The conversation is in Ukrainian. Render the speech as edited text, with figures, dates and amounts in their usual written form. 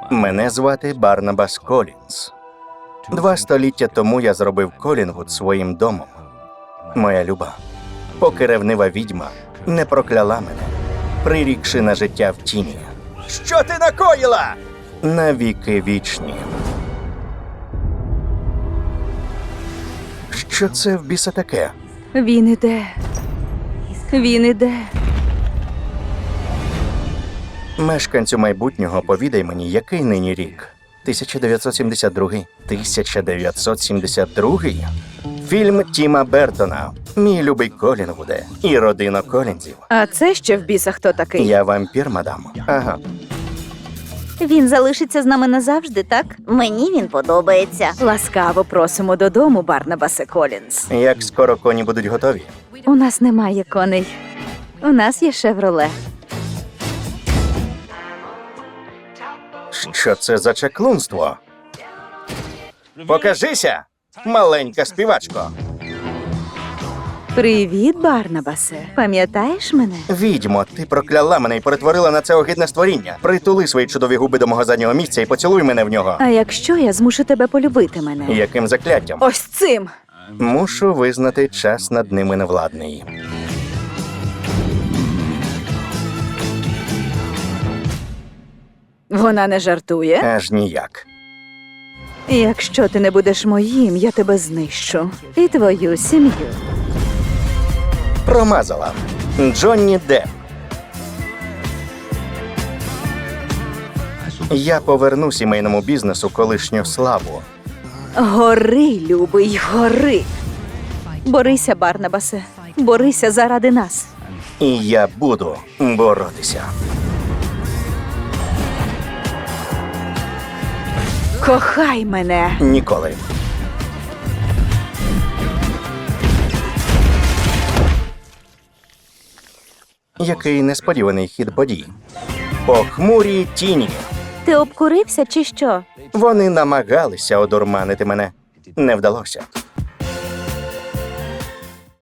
Мене звати Барнабас Колінс. 2 століття тому я зробив Колінгвуд своїм домом. Моя люба, поки ревнива відьма не прокляла мене, прирікши на життя в тіні. Що ти накоїла? Навіки вічні. Що це в біса таке? Він іде. Він іде. Мешканцю майбутнього, повідай мені, який нині рік? 1972? 1972? Фільм Тіма Бертона. Мій любий Колінгвуде і родина Колінзів. А це ще в біса хто такий? Я вампір, мадам. Ага. Він залишиться з нами назавжди, так? Мені він подобається. Ласкаво просимо додому, Барнабасе Колінс. Як скоро коні будуть готові? У нас немає коней. У нас є «Шевроле». Що це за чаклунство? Покажися, маленька співачко. Привіт, Барнабасе. Пам'ятаєш мене? Відьмо, ти прокляла мене і перетворила на це огидне створіння. Притули свої чудові губи до мого заднього місця і поцілуй мене в нього. А якщо я змушу тебе полюбити мене? Яким закляттям? Ось цим! Мушу визнати, час над ними невладний. Вона не жартує? Аж ніяк. Якщо ти не будеш моїм, я тебе знищу. І твою сім'ю. Промазала. Джонні Депп. Я поверну сімейному бізнесу колишню славу. Гори, любий, гори. Борися, Барнабасе. Борися заради нас. І я буду боротися. Кохай мене. Ніколи. Який несподіваний хід подій. Похмурі тіні. Ти обкурився чи що? Вони намагалися одурманити мене. Не вдалося.